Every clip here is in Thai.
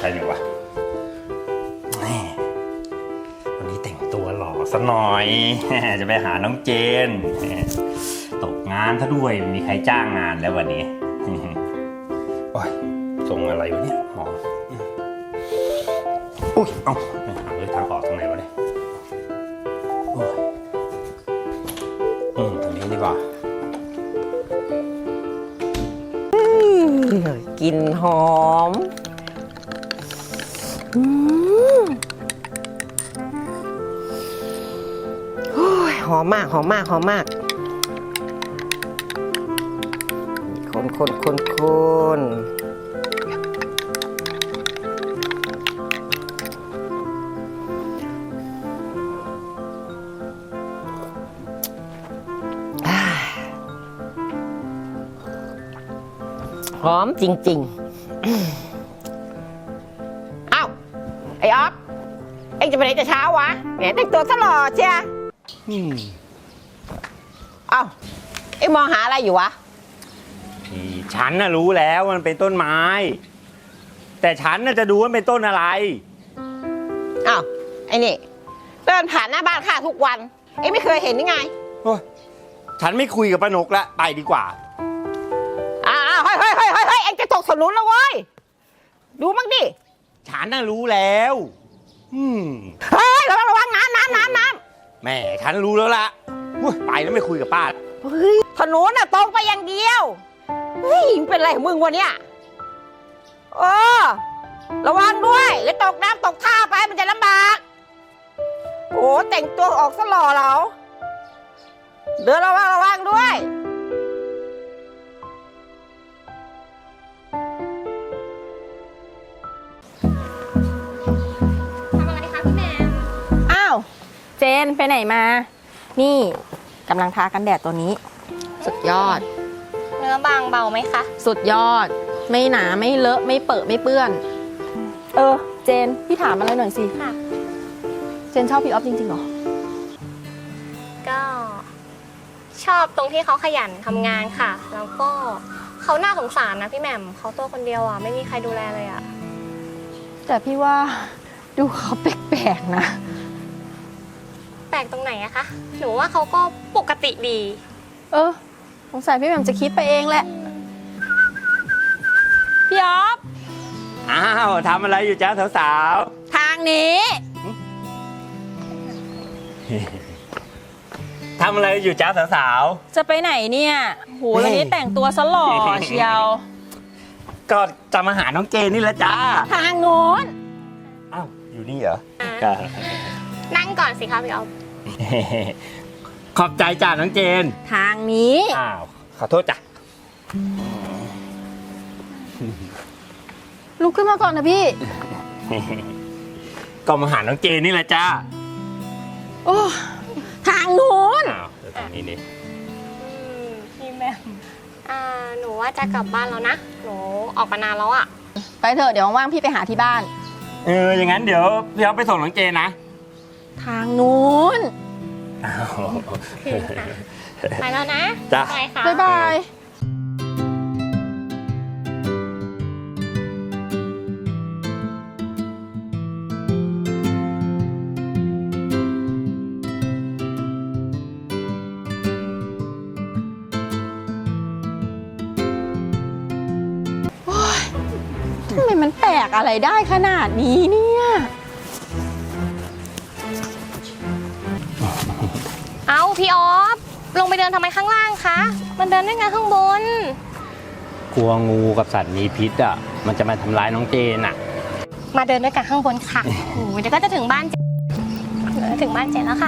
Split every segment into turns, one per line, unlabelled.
รอยู่วะวันนี้แต่งตัวหล่อซะหน่อย จะไปหาน้องเจนตกงานซะด้วยมีใครจ้างงานแล้ววันนี้โอ้ยส่งอะไรวะเนี่ยหมออุ้ยเอ้าหาเลยทางออกทางไหนวะเนี่ยตรงนี้ดีกว่า
กลิ่นหอมหอมมากหอมมากหอมมากคนหอมจริงๆอ้าวไอ้ออฟเอ็งจะไปไหนแต่เช้าวะแหมแต่งตัวซะหล่อเชียอ้าวเอ็งมองหาอะไรอยู่วะ
ฉันน่ะรู้แล้วมันเป็นต้นไม้แต่ฉันน่ะจะดูว่าเป็นต้นอะไร
อ้าวไอ้นี่เดินผ่านหน้าบ้านข้าทุกวันเอ็งไม่เคยเห็นยังไง
ฉันไม่คุยกับป้านกละไปดีกว่า
เฮ้ยเอ็งจะตกถนนแล้วเว้ยดูมั่งดิ
ฉันน่ะรู้แล้ว
เฮ้ยระวังน้ำ
แม่ฉันรู้แล้วล่ะไปแล้วไม่คุยกับป้า
เฮ้ยถนนน่ะตรงไปอย่างเดียวเฮ้ยเป็นไรของมึงวะเนี่ยระวังด้วยแล้วตกน้ำตกท่าไปมันจะลำบากโอ้แต่งตัวออกซะหล่อเราเดินระวังด้วย
เจนไปไหนมานี่กำลังทากันแดดตัวนี้สุดยอด
เนื้อบางเบาไหมคะ
สุดยอดไม่หนาไม่เลอะไม่เปื้อนไม่เปื้อนเจนพี่ถามอะไรหน่อยสิ
ค่ะ
เจนชอบพี่ออฟจริงๆเหรอ
ก็ชอบตรงที่เขาขยันทำงานค่ะแล้วก็เขาน่าสงสารนะพี่แหม่มเขาตัวคนเดียวอ่ะไม่มีใครดูแลเลยอ่ะ
แต่พี่ว่าดูเขาแปลกๆนะ
แปลกตรงไหนอะคะหนูว่าเขาก็ปกติดี
สงสัยพี่แหม่มจะคิดไปเองแหละพี่ออฟ
อ้าวทำอะไรอยู่จ้าสาว
ๆทางนี้
ทำอะไรอยู่จ้าสาว
จะไปไหนเนี่ยโหวันนี้แต่งตัวซะหล่อเชียว
ก็จะมาหาน้องเจนนี่แหละจ้า
ทางโน้น
อ้าวอยู่นี่เหรอ
นั่งก่อนสิคะพี่ออฟ
ขอบใจจ้าน้องเจน
ทางนี้
อ้าวขอโทษจ้ะ
ลุกขึ้นมาก่อนนะพี่
ก็มาหาน้องเจนนี่แหละจ้า
โอ้ทางโน้น
อ้าวทางนี้นี่
พี่แม่หนูว่าจะกลับบ้านแล้วนะหนูออกมานานแล้วอะ
ไปเถอะเดี๋ยวว่างๆพี่ไปหาที่บ้าน
อย่างนั้นเดี๋ยวพี่เอาไปส่งน้องเจนนะ
ทางนู้น
ไปแล้วนะ
จ้ะ
บ๊ายบายทำไมมันแปลกอะไรได้ขนาดนี้เนี่ย
เอาพี่ออฟลงไปเดินทำไมข้างล่างคะมันเดินได้ไงข้างบน
กลัวงูกับสัตว์มีพิษอ่ะมันจะมาทำร้ายน้องเจนอ่ะ
มาเดินด้วยกันข้างบนค่ะเดี๋ยวก็จะถึงบ้านเจนแล้วค่ะ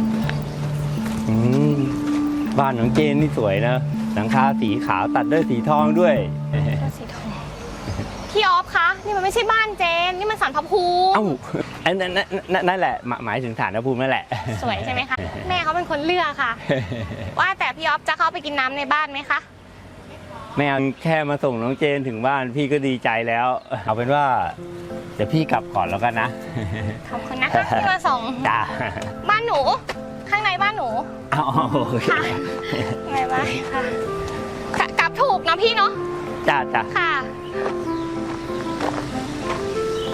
บ้านน้องเจนนี่สวยนะหลังคาสีขาวตัดด้วยสีทองด้วย
สีทองพี่ออฟคะนี่มันไม่ใช่บ้านเจนนี่มันศาลพระภูมิ
นั่นแหละหมายถึงศาลพระภูมินั่นแหละ
สวยใช่ไหมคะแม่เขาเป็นคนเลือกค่ะว่าแต่พี่ออฟจะเข้าไปกินน้ำในบ้านไหมคะ
ไม่เอาแค่มาส่งน้องเจนถึงบ้านพี่ก็ดีใจแล้วเอาเป็นว่าเดี๋ยวพี่กลับก่อนแล้วกันนะ
ขอบคุณนะคะที่มาส่ง
จ้า
บ้านหนูข้างในบ้านหนูค่ะในบ้านค่ะกลับถูกนะพี่เนาะ
จ้า
ค่ะ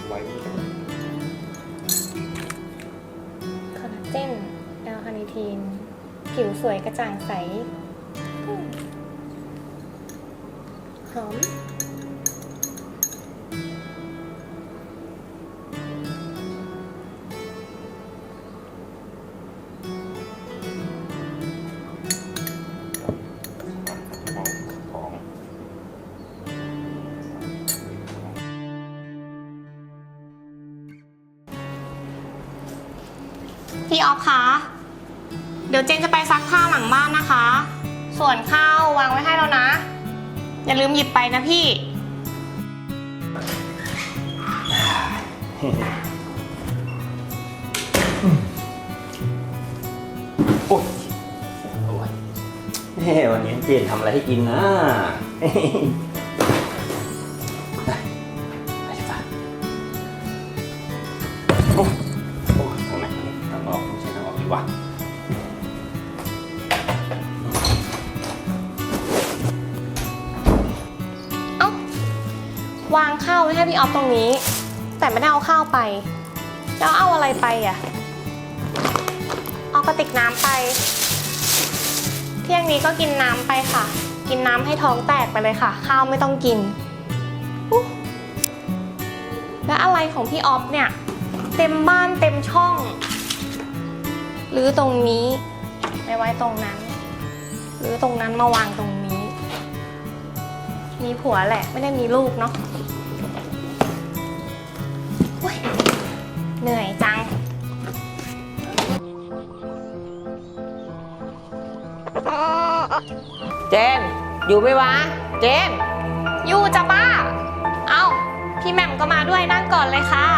ไว้
คอลลาเจนแอลคาเนทีน ผิวสวยกระจ่างใสหอม
ของ
พี่ออฟคะ เดี๋ยวเจนจะไปซักผ้าหลังบ้านนะคะ ส่วนข้าววางไว้ให้แล้วนะ อย่าลืมหยิบไปนะพี่
โอ้ยโอ้ยเฮ้วันนี้เจนทำอะไรให้กินนะไปดีกว่าโอ้โอ้ทางไหนทางออกไม่ใช่ทางออกดีกว่า
เอ้า วางข้าวไว้ให้พี่ออฟตรงนี้ แต่ไม่ได้เอาข้าวไป แล้วเอาอะไรไปอ่ะ เอากระติกน้ำไป เที่ยงนี้ก็กินน้ำไปค่ะ กินน้ำให้ท้องแตกไปเลยค่ะ ข้าวไม่ต้องกินอุ๊ยแล้วอะไรของพี่ออฟเนี่ย เต็มบ้านเต็มช่องหรือตรงนี้ไปไว้ตรงนั้น หรือตรงนั้นมาวางตรงนี้ มีผัวแหละไม่ได้มีลูกเนาะโอ๊ยเหนื่อยจัง
เจน อยู่ไหมวะ เจน
อยู่จ้ะป้า เอ้า พี่แหม่มก็มาด้วยนั่งก่อนเลยค่ะ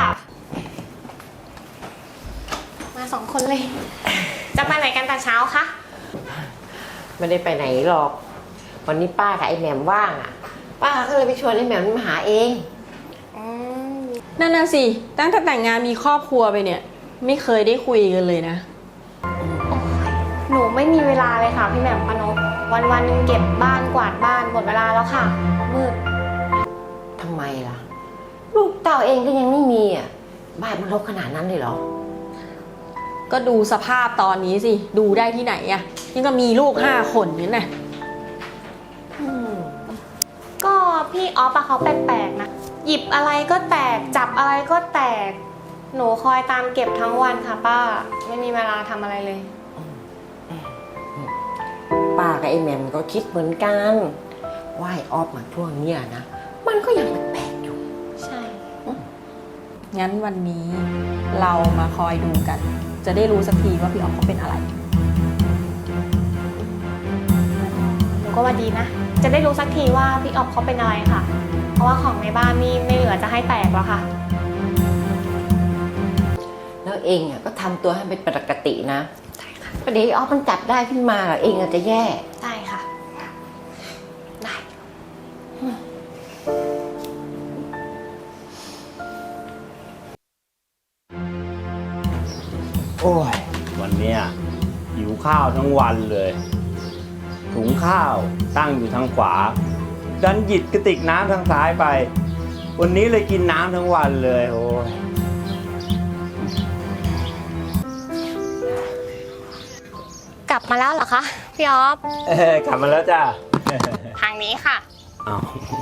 มาสองคนเลย จะไปไหนกันแต่เช้าคะ
ไม่ได้ไปไหนหรอก วันนี้ป้ากับไอ้แหม่มว่างอ่ะ ป้าก็เลยไปชวนไอ้แหม่มมาหาเอง
นั่นน่ะสิ ตั้งแต่แต่งงานมีครอบครัวไปเนี่ย ไม่เคยได้คุยกันเลยนะ
หนูไม่มีเวลาเลยค่ะพี่แหม่มปานกวันๆนึงเก็บบ้านกวาดบ้านหมดเวลาแล้วค่ะ มืด
ทำไมล่ะ ลูกเต่าเองก็ยังไม่มีอ่ะ บ้านมันรกขนาดนั้นเลยเหรอ
ก็ดูสภาพตอนนี้สิ ดูได้ที่ไหนอะยังก็มีลูก5 คนนี่นะ
ก็พี่ออฟอะเขาแปลกๆนะ หยิบอะไรก็แตก จับอะไรก็แตก หนูคอยตามเก็บทั้งวันค่ะป้า ไม่มีเวลาทำอะไรเลย
ป้ากับไอ้แหม่มก็คิดเหมือนกันว่าไอ้ออฟมาช่วงเนี้ยนะ มันก็ยังแปลกๆอยู่
ใช่
งั้นวันนี้เรามาคอยดูกัน จะได้รู้สักทีว่าพี่ออฟเขาเป็นอะไร
หนูก็ว่าดีนะ จะได้รู้สักทีว่าพี่ออฟเขาเป็นอะไรค่ะ เพราะว่าของในบ้านนี่ไม่เหลือจะให้แตกแล้วค่ะ
แล้วเองอ่ะก็ทำตัวให้เป็นปกตินะประเดี๋ยวไอ้ออฟมันจับได้ขึ้นมาเหรอเองอาจจะแย่
ได้ค่ะ
ได้
โอ้ยวันเนี้ยหิวข้าวทั้งวันเลยถุงข้าวตั้งอยู่ทางขวาดันหยิบกระติกน้ำทางซ้ายไป วันนี้เลยกินน้ำทั้งวันเลยโอ้ย
กลับมาแล้วเหรอคะพี่ออฟ
กลับมาแล้วจ้า
ทางนี้ค่ะ
อ้าว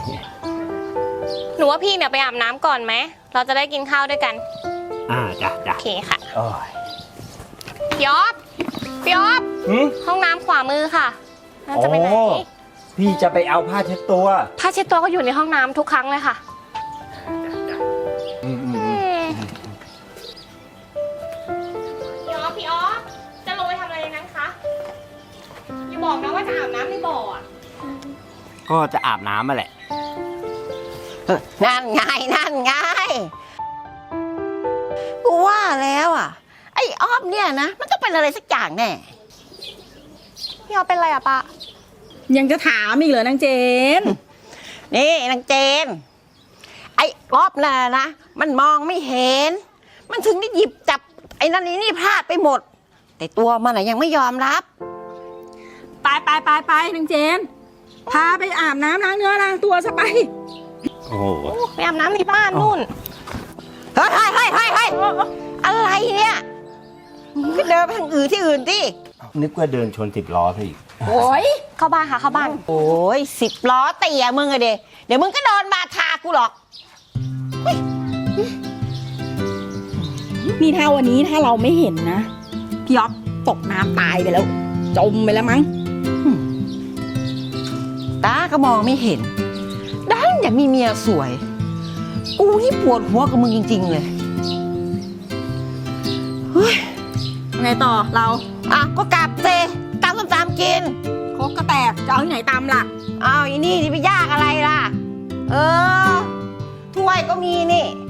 หนูว่าพี่เนี่ยไปอาบน้ำก่อนไหม เราจะได้กินข้าวด้วยกัน
จ้ะจ้ะ
โอเคค่ะ
โอ้ย
พี่ออฟ พี่ออฟ
หืม
ห้องน้ำขวามือค่ะเราจะไปไหน
โอ้พี่จะไปเอาผ้าเช็ดตัว
ผ้าเช็ดตัวก็อยู่ในห้องน้ำทุกครั้งเลยค่ะ พี่ออฟ พี่ออฟ จะลงไปทำอะไรในนั้นคะ อย่าบอกนะว่าจะอาบน้ำในบ่ออะ
ก็จะอาบน้ำมาแหละ
นั่นไงนั่นไงกูว่าแล้วอ่ะ ไอ้ออฟเนี่ยนะ มันต้องเป็นอะไรสักอย่างแน่
พี่ออฟเป็นอะไรอะป้า
ยังจะถามอีกเหรอนางเจน
นี่นางเจน ไอ้ออฟน่ะนะ มันมองไม่เห็น มันถึงได้หยิบจับไอ้นั่นนี่พลาดไปหมด แต่ตัวมันน่ะยังไม่ยอมรับ
ไปนางเจน พาไปอาบน้ำล้างเนื้อล้างตัวซะไป
โอ้โห
ไปอาบน้ำในบ้านนู่น
ฮ้ยอะไรเนี่ยก็เดินไปทางอื่นที่อื่นดิ
นึกว่าเดินชน10 ล้อซะอีก
โอ้ย
เข้าบ้านค่ะเข้าบ้าน
โอ้ย10 ล้อเตี่ยมึงอะเดี๋ยวมึงก็โดนบาทากูหรอก
นี่ถ้าวันนี้ถ้าเราไม่เห็นนะ พี่อ๊อฟตกน้ำตายไปแล้ว จมไปแล้วมั้ง
ตาก็มองไม่เห็นด้านอยากมีเมียสวย กูนี่ปวดหัวกับมึงจริงๆเลยเฮ้ย
ไงต่อเรา
อ่ะก็กลับเซตามส้มตำกิน
โคกก็แตกจะเอาที่ไหนตามล่ะ
อ้าวอีนี่ที่ไปยากอะไรล่ะ เออถ้วยก็มีนี่